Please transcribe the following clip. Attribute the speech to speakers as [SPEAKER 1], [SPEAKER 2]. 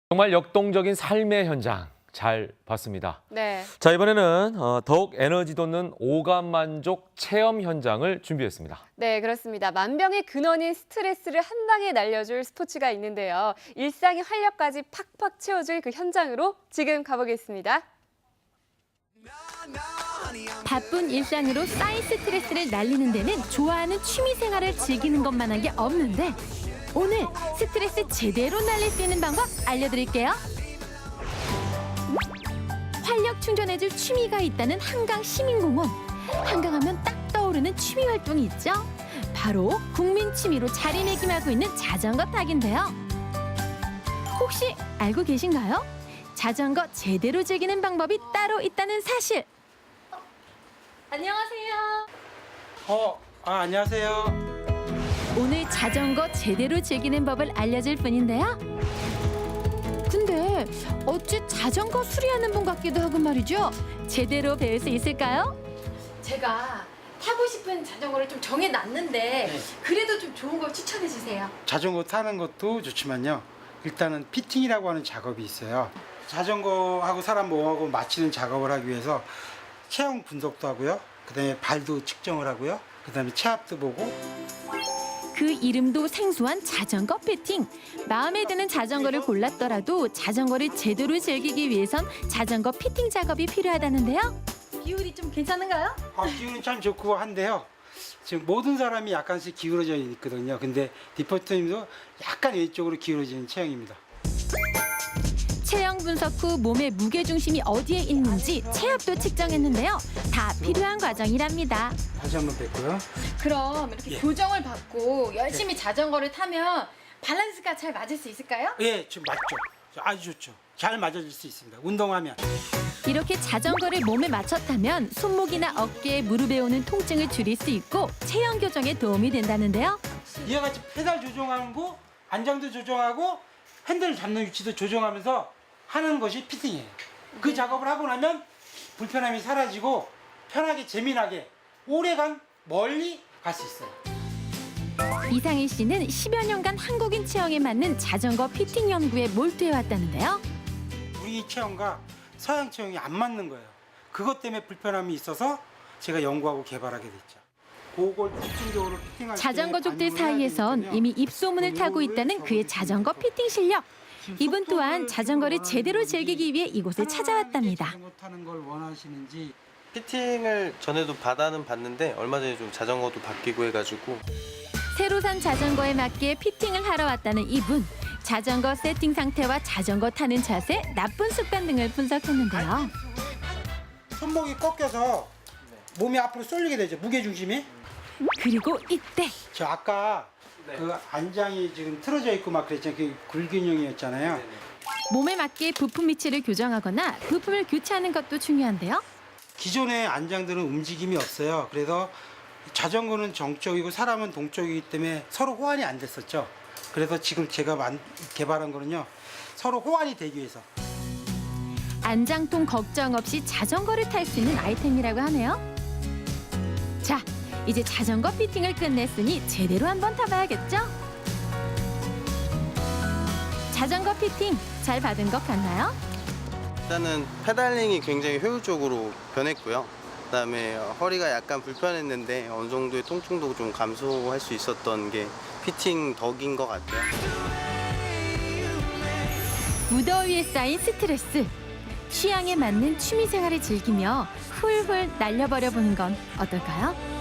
[SPEAKER 1] 정말 역동적인 삶의 현장 잘 봤습니다.
[SPEAKER 2] 네.
[SPEAKER 1] 자, 이번에는 더욱 에너지 돋는 오감 만족 체험 현장을 준비했습니다.
[SPEAKER 2] 네, 그렇습니다. 만병의 근원인 스트레스를 한 방에 날려줄 스포츠가 있는데요. 일상의 활력까지 팍팍 채워줄 그 현장으로 지금 가보겠습니다.
[SPEAKER 3] 바쁜 일상으로 쌓인 스트레스를 날리는 데는 좋아하는 취미 생활을 즐기는 것만한 게 없는데 오늘 스트레스 제대로 날릴 수 있는 방법 알려드릴게요. 활력 충전해줄 취미가 있다는 한강 시민공원. 한강하면 딱 떠오르는 취미 활동이 있죠. 바로 국민 취미로 자리매김하고 있는 자전거 타기인데요. 혹시 알고 계신가요? 자전거 제대로 즐기는 방법이 따로 있다는 사실. 안녕하세요.
[SPEAKER 4] 안녕하세요.
[SPEAKER 3] 오늘 자전거 제대로 즐기는 법을 알려줄 분인데요. 근데 어찌 자전거 수리하는 분 같기도 하고 말이죠. 제대로 배울 수 있을까요? 제가 타고 싶은 자전거를 좀 정해놨는데 그래도 좀 좋은 걸 추천해 주세요.
[SPEAKER 4] 자전거 타는 것도 좋지만요. 일단은 피팅이라고 하는 작업이 있어요. 자전거하고 사람 몸하고 맞추는 작업을 하기 위해서 체형 분석도 하고요. 그다음에 발도 측정을 하고요. 그다음에 체압도 보고.
[SPEAKER 3] 그 이름도 생소한 자전거 피팅. 마음에 드는 자전거를 골랐더라도 자전거를 제대로 즐기기 위해선 자전거 피팅 작업이 필요하다는데요. 비율이 좀 괜찮은가요?
[SPEAKER 4] 기운은 참 좋고 한데요. 지금 모든 사람이 약간씩 기울어져 있거든요. 근데 디포트님도 약간 왼쪽으로 기울어지는 체형입니다.
[SPEAKER 3] 체형 분석 후 몸의 무게 중심이 어디에 있는지 체압도 측정했는데요. 다 필요한 과정이랍니다.
[SPEAKER 4] 다시 한번 뵙고요.
[SPEAKER 5] 그럼 이렇게 교정을 받고 열심히 자전거를 타면 밸런스가 잘 맞을 수 있을까요?
[SPEAKER 4] 예, 지금 맞죠. 아주 좋죠. 잘 맞아줄 수 있습니다. 운동하면.
[SPEAKER 3] 이렇게 자전거를 몸에 맞춰 타면 손목이나 어깨, 무릎에 오는 통증을 줄일 수 있고 체형 교정에 도움이 된다는데요.
[SPEAKER 4] 이와 같이 페달 조정하고 안장도 조정하고 핸들 잡는 위치도 조정하면서 하는 것이 피팅이에요. 그 작업을 하고 나면 불편함이 사라지고 편하게 재미나게 오래간 멀리 갈 수 있어요.
[SPEAKER 3] 이상희 씨는 10여 년간 한국인 체형에 맞는 자전거 피팅 연구에 몰두해 왔다는데요.
[SPEAKER 4] 우리 체형과 서양 체형이 안 맞는 거예요. 그것 때문에 불편함이 있어서 제가 연구하고 개발하게 됐죠. 그걸 집중적으로 피팅할 때
[SPEAKER 3] 자전거족들
[SPEAKER 4] 반영을 해야
[SPEAKER 3] 사이에선
[SPEAKER 4] 되니까요.
[SPEAKER 3] 이미 입소문을 타고 있다는 그의 자전거 피팅 실력. 이분 또한 자전거를 제대로 즐기기 위해 이곳을 찾아왔답니다.
[SPEAKER 4] 자전거 타는 걸 원하시는지.
[SPEAKER 6] 피팅을 전에도 받아는 봤는데 얼마 전에 좀 자전거도 바뀌고 해가지고
[SPEAKER 3] 새로 산 자전거에 맞게 피팅을 하러 왔다는 이분. 자전거 세팅 상태와 자전거 타는 자세, 나쁜 습관 등을 분석했는데요.
[SPEAKER 4] 손목이 꺾여서 몸이 앞으로 쏠리게 되죠. 무게 중심이.
[SPEAKER 3] 그리고 이때
[SPEAKER 4] 저 아까 그 안장이 지금 틀어져 있고 막 그랬잖아요. 그 불균형이었잖아요.
[SPEAKER 3] 몸에 맞게 부품 위치를 교정하거나 부품을 교체하는 것도 중요한데요.
[SPEAKER 4] 기존의 안장들은 움직임이 없어요. 그래서 자전거는 정적이고 사람은 동적이기 때문에 서로 호환이 안 됐었죠. 그래서 지금 제가 개발한 거는요. 서로 호환이 되기 위해서.
[SPEAKER 3] 안장통 걱정 없이 자전거를 탈 수 있는 아이템이라고 하네요. 자, 이제 자전거 피팅을 끝냈으니 제대로 한번 타봐야겠죠? 자전거 피팅 잘 받은 것 같나요?
[SPEAKER 6] 일단은 페달링이 굉장히 효율적으로 변했고요. 그다음에 허리가 약간 불편했는데 어느 정도의 통증도 좀 감소할 수 있었던 게 피팅 덕인 것 같아요.
[SPEAKER 3] 무더위에 쌓인 스트레스. 취향에 맞는 취미 생활을 즐기며 훌훌 날려버려 보는 건 어떨까요?